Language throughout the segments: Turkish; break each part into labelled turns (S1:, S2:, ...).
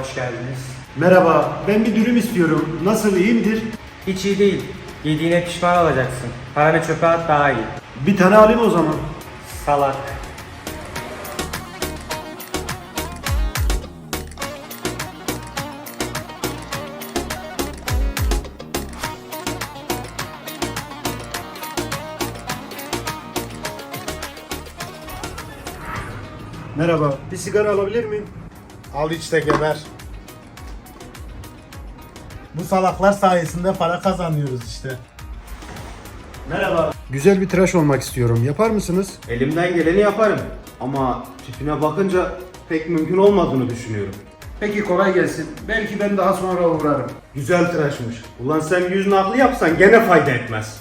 S1: hoş geldiniz.
S2: Merhaba, ben bir dürüm istiyorum. Nasıl, iyi midir?
S1: Hiç iyi değil. Yediğine pişman olacaksın. Paranı çöpe at daha iyi.
S2: Bir tane alayım o zaman.
S1: Salak.
S2: Merhaba, bir sigara alabilir miyim?
S3: Al işte geber. Bu salaklar sayesinde para kazanıyoruz işte.
S2: Merhaba. Güzel bir tıraş olmak istiyorum. Yapar mısınız?
S4: Elimden geleni yaparım. Ama tipine bakınca pek mümkün olmadığını düşünüyorum.
S2: Peki, kolay gelsin. Belki ben daha sonra uğrarım.
S4: Güzel tıraşmış. Ulan sen yüzünü aklı yapsan gene fayda etmez.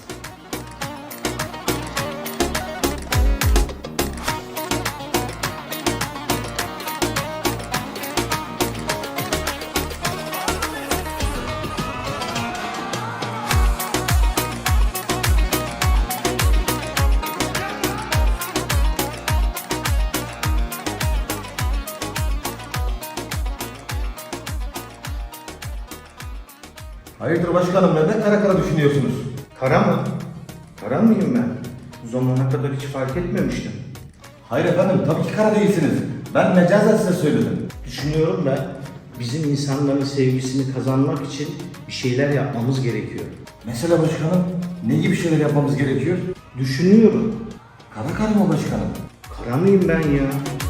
S5: Hayırdır başkanım, neden kara kara düşünüyorsunuz?
S4: Kara mı? Kara mıyım ben? Bu zamana kadar hiç fark etmemiştim.
S5: Hayır efendim, tabii ki kara değilsiniz. Ben mecazen size söyledim.
S4: Düşünüyorum ben. Bizim insanların sevgisini kazanmak için bir şeyler yapmamız gerekiyor.
S5: Mesela başkanım, ne gibi şeyler yapmamız gerekiyor?
S4: Düşünüyorum.
S5: Kara kara mı başkanım?
S4: Kara mıyım ben ya?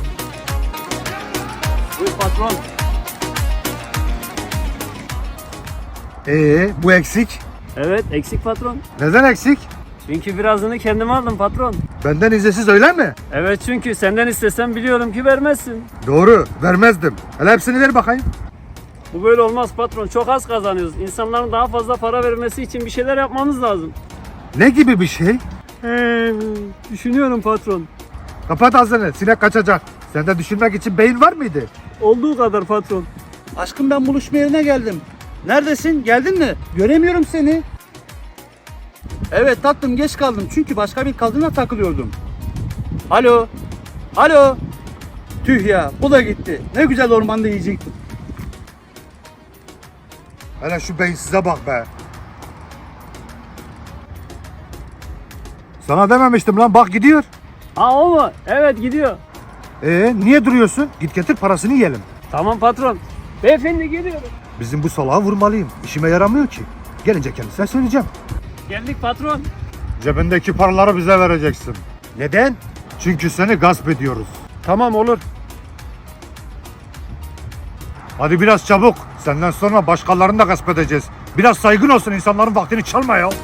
S6: Buyur patron.
S2: Bu eksik.
S6: Evet, eksik patron.
S2: Neden eksik?
S6: Çünkü birazını kendime aldım patron.
S2: Benden izinsiz, öyle mi?
S6: Evet, çünkü senden istesem biliyorum ki vermezsin.
S2: Doğru, vermezdim. Hele hepsini ver bakayım.
S6: Bu böyle olmaz patron. Çok az kazanıyoruz. İnsanların daha fazla para vermesi için bir şeyler yapmamız lazım.
S2: Ne gibi bir şey?
S6: Düşünüyorum patron.
S2: Kapat ağzını, sinek kaçacak. Sende düşünmek için beyin var mıydı?
S6: Olduğu kadar patron.
S7: Aşkım, ben buluşma yerine geldim. Neredesin? Geldin mi? Göremiyorum seni. Evet tatlım, geç kaldım çünkü başka bir kadına takılıyordum. Alo. Alo. Tüh ya, bu da gitti. Ne güzel ormanda yiyecektim.
S2: Hele şu beyinsize bak be. Sana dememiştim lan, bak gidiyor.
S6: Ha, o mu? Evet, gidiyor.
S2: Niye duruyorsun? Git getir, parasını yiyelim.
S6: Tamam patron. Beyefendi, geliyorum.
S2: Bizim bu salağı vurmalıyım. İşime yaramıyor ki. Gelince kendisine söyleyeceğim.
S6: Geldik patron.
S2: Cebindeki paraları bize vereceksin. Neden? Çünkü seni gasp ediyoruz. Tamam, olur. Hadi biraz çabuk. Senden sonra başkalarını da gasp edeceğiz. Biraz saygın olsun, insanların vaktini çalma ya.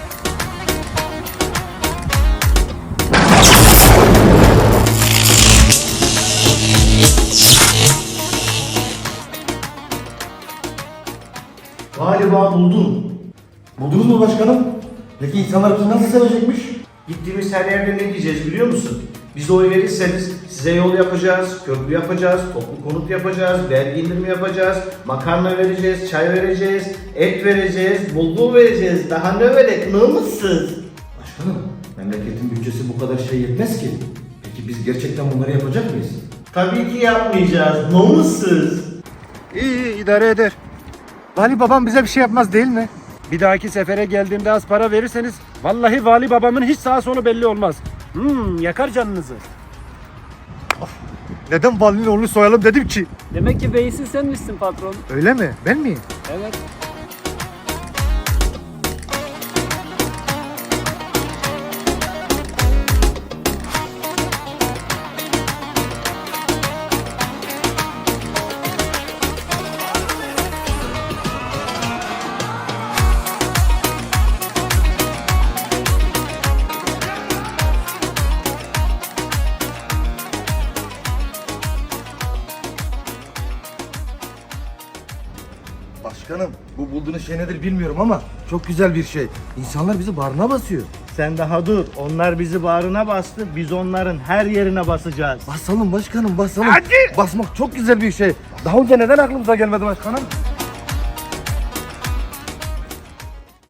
S5: Galiba buldum. Buldunuz mu başkanım? Peki insanlar bizi nasıl sevecekmiş?
S4: Gittiğimiz her yerde ne diyeceğiz biliyor musun? Bize oy verirseniz size yol yapacağız, köprü yapacağız, toplu konut yapacağız, vergi indirimi yapacağız, makarna vereceğiz, çay vereceğiz, et vereceğiz, bulgur vereceğiz. Daha ne verek, namussuz?
S5: Başkanım, memleketin bütçesi bu kadar şey yetmez ki. Peki biz gerçekten bunları yapacak mıyız?
S4: Tabii ki yapmayacağız, namussuz.
S2: İyi, idare eder. Vali babam bize bir şey yapmaz değil mi? Bir dahaki sefere geldiğimde az para verirseniz vallahi vali babamın hiç sağa solu belli olmaz. Yakar canınızı. Neden valinin oğlunu soyalım dedim ki?
S6: Demek ki beyinsiz sen misin patron?
S2: Öyle mi? Ben miyim?
S6: Evet.
S5: Başkanım, bu bulduğunuz şey nedir bilmiyorum ama çok güzel bir şey. İnsanlar bizi bağrına basıyor.
S4: Sen daha dur, onlar bizi bağrına bastı, biz onların her yerine basacağız.
S5: Basalım başkanım, basalım. Hadi! Basmak çok güzel bir şey. Daha önce neden aklımıza gelmedi başkanım?